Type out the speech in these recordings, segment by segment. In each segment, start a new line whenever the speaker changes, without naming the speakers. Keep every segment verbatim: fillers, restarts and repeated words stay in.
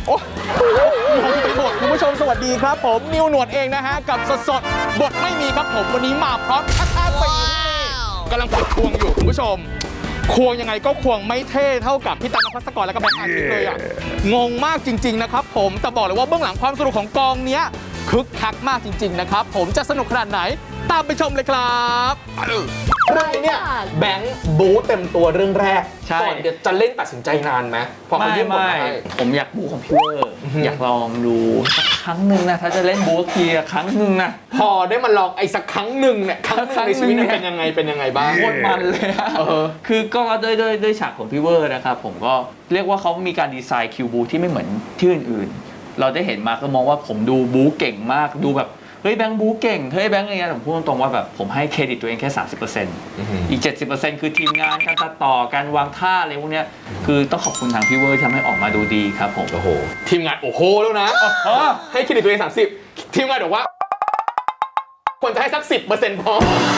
โอ้งงไปหมดคุณผู้ชมสวัสดีครับผมนิวหนวดเองนะฮะกับสดสดบทไม่มีครับผมวันนี้มาพร้อมคาถาสีกำลังฝึกควงอยู่คุณผู้ชมควงยังไงก็ควงไม่เท่เท่ากับพี่ตั๊กนภัสกรและก็แบงค์อาทิตย์เลยอ่ะงงมากจริงๆนะครับผมแต่บอกเลยว่าเบื้องหลังความสนุกของกองเนี้ยคึกคักมากจริงๆนะครับผมจะสนุกขนาดไหนตามไปชมเลยครับเรื่องนี้เนี่ยแบงค์บู๊เต็มตัวเรื่องแรกก่อนจะเล่นตัดสินใจนานไหมพอเขายื่นบทมาให้
ผมอยากบู๊ของพี่เวอร์อยากลองดูสักครั้งหนึ่งนะถ้าจะเล่นบู๊ทีครั้งหนึ่งนะ
พอได้มาลองไอ้สักครั้งหนึ่งเนี่ยครั้งหนึ่งในชีวิตเป็นยังไงเป็นยังไงบ้าง
โคตรมันเลยคือก็ด้วยด้วยด้วยฉากของพี่เวอร์นะครับผมก็เรียกว่าเขามีการดีไซน์คิวบูที่ไม่เหมือนที่อื่นๆเราได้เห็นมาก็มองว่าผมดูบู๊เก่งมากดูแบบเฮ้ยแบงค์บู๊เก่งเฮ้ยแบงค์อะไรเงี้ยผมพูดตรงๆว่าแบบผมให้เครดิตตัวเองแค่ สามสิบเปอร์เซ็นต์ อีก เจ็ดสิบเปอร์เซ็นต์ คือทีมงานการตัดต่อการวางท่าอะไรพวกเนี้ยคือต้องขอบคุณทางพี่เวอร์ที่ทำให้ออกมาดูดีครับผม
โอ้โหทีมงานโอ้โหแล้วนะให้เครดิตตัวเองสามสิบทีมงานบอกว่าควรจะให้สัก สิบเปอร์เซ็นต์ พอ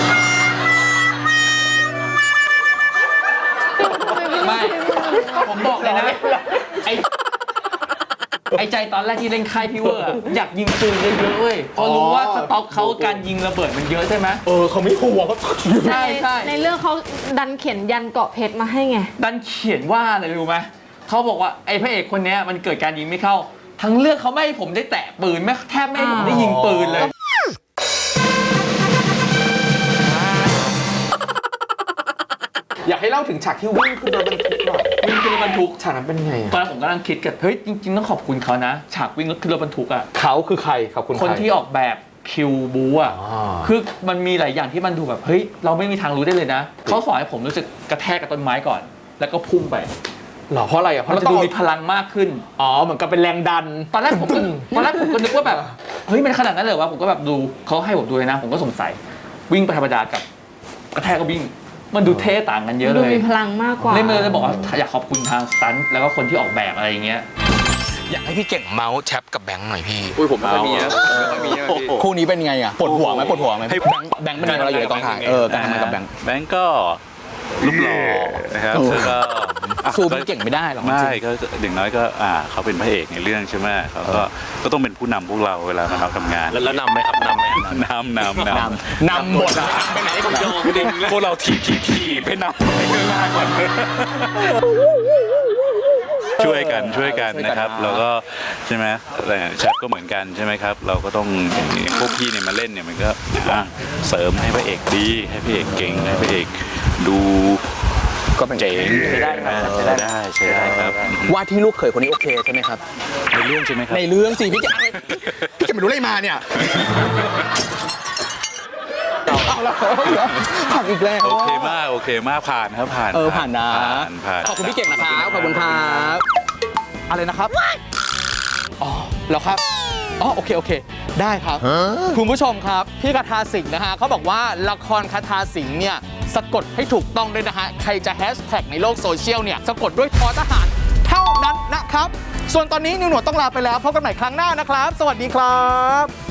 ไม่ผมบอกเลยนะไอไอ้ใจตอนแรกที่เล่นค่ายพี่เวอร์อยากยิงปืนเยอะๆเว้ยเพราะรู้ว่าสต็อกเขาการยิงระเบิดมันเยอะใช่ไหม
เออเขาไม่ห่วงเขา
ใช่ใช่ในเรื่องเขาดันเขียนยันเกาะเพชรมาให้ไง
ดันเขียนว่าอะไรรู้ไหมเขาบอกว่าไอ้พระเอกคนนี้มันเกิดการยิงไม่เข้าทั้งเรื่องเขาไม่ให้ผมได้แตะปืนแม้แทบไม่ให้ผมได้ยิงปืนเลย
อยากให้เล่าถึงฉากที่วิ่งขึ้นรถบรรทุกหน่อย
วิ่งขึ้นรถบรรทุก
ฉากนั้นเป็นไง
ตอนนั้นผมกำลังคิดกันเฮ้ยจริงๆต้องขอบคุณเขานะฉากวิ่งขึ้นรถบรรทุกอ่ะ
เขาคือใครขอบคุณ
คนที่ออกแบบคิวบูอ่ะคือมันมีหลายอย่างที่มันดูแบบเฮ้ยเราไม่มีทางรู้ได้เลยนะเขาสอนให้ผมรู้สึกกระแทกกับต้นไม้ก่อนแล้วก็พุ่งไป
หรอเพราะอะไรอ่ะ
เพราะจะดูมีพลังมากขึ้น
อ๋อเหมือนกับเป็นแรงดัน
ตอนแรกผมตอนแรกผมก็นึกว่าแบบเฮ้ยมันขนาดนั้นเลยวะผมก็แบบดูเขาให้ผมดูเลยนะผมก็สงสัยวิ่งไปธรรมดากับกระแทกก็วิ่งมันดูเท่ต่างกันเยอะเลย
ดูมีพลังมากกว่า
เล่นมาเลยบอกว่าอยากขอบคุณทางสตันท์แล้วก็คนที่ออกแบบอะไรอย่างเงี้ย
อยากให้พี่เก่งเมาส์แชปกับแบงค์หน่อยพี่
อุ้ยผมไม่ค่อยมีอะไม่ค่อยมี
คู่นี้เป็นไงอ่ะปวดหัวไหมปวดหัวไหมแบงค์แบงค์เป็นไงเราอยู่ในกองถ่ายเออการทำงานกับแบงค์
แบงค์ก็รูปหล่อนะครับแล้วก็
สู้พี่เก่งไม่ได้หรอก
ไม่ก็อย่างน้อยก็อ่าเขาเป็นพระเอกในเรื่องใช่ไหมเขาก็ก็ต้องเป็นผู้นำพวกเราเวลามาทำงาน
แล้วนำไหมครับนำไหม
นำนำน
ำนำหมด
ไปไหนก็โยงพวกเราถีบถีบถีบไปนำไปข้างหน้าก่อนช่วยกันช่วยกันนะครับแล้วก็ใช่ไหมแต่แชทก็เหมือนกันใช่ไหมครับเราก็ต้องพวกพี่เนี่ยมาเล่นเนี่ยมันก็เสริมให้พระเอกดีให้พระเอกเก่งให้พระเอกดู
ก็เป็น
เจ๋ง
ใช้ได้
ใช้ได้ใช้ได้ครับ
ว่าที่ลูกเขยคนนี้โอเคใช่ไหมครับ
ในเรื่องใช่ไหมครับ
ในเรื่องสิพี่จะพี่จะไม่รู้อะไรมาเนี่ยเอาแล้วผ่านอีกแล้ว
โอเคมากโอเคมากผ่านครับผ่าน
เออผ่านนะ
ข
อบคุณพี่เก่งนะครับขอบคุณครับอะไรนะครับอ๋อแล้วครับอ๋อโอเคโอเคได้ครับคุณผู้ชมครับพี่คาถาสิงห์นะฮะเขาบอกว่าละครคาถาสิงห์เนี่ยสะกดให้ถูกต้องด้วยนะฮะใครจะแฮชแท็กในโลกโซเชียลเนี่ยสะกดด้วยทอทหารเท่านั้นนะครับส่วนตอนนี้นิวหนวดต้องลาไปแล้วพบกันใหม่ครั้งหน้านะครับสวัสดีครับ